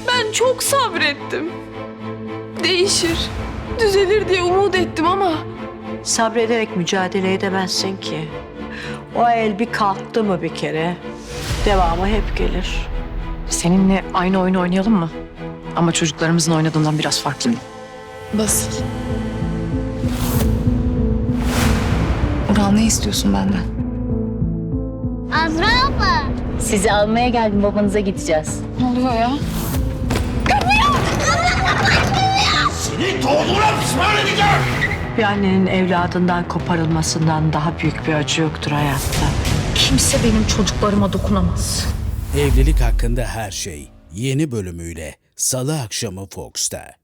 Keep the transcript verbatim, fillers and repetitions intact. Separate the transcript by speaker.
Speaker 1: Ben çok sabrettim. Değişir, düzelir diye umut ettim ama...
Speaker 2: Sabrederek mücadele edemezsin ki. O el bir kalktı mı bir kere, devamı hep gelir.
Speaker 3: Seninle aynı oyunu oynayalım mı? Ama çocuklarımızın oynadığından biraz farklı.
Speaker 4: Basit. Ural, ne istiyorsun benden?
Speaker 5: Azra abla.
Speaker 6: Sizi almaya geldim, babanıza gideceğiz.
Speaker 4: Ne oluyor ya?
Speaker 7: Seni doğduğuna pişman edeceğim.
Speaker 2: Bir annenin evladından koparılmasından daha büyük bir acı yoktur hayatta.
Speaker 6: Kimse benim çocuklarıma dokunamaz.
Speaker 8: Evlilik hakkında her şey yeni bölümüyle Salı akşamı Fox'ta.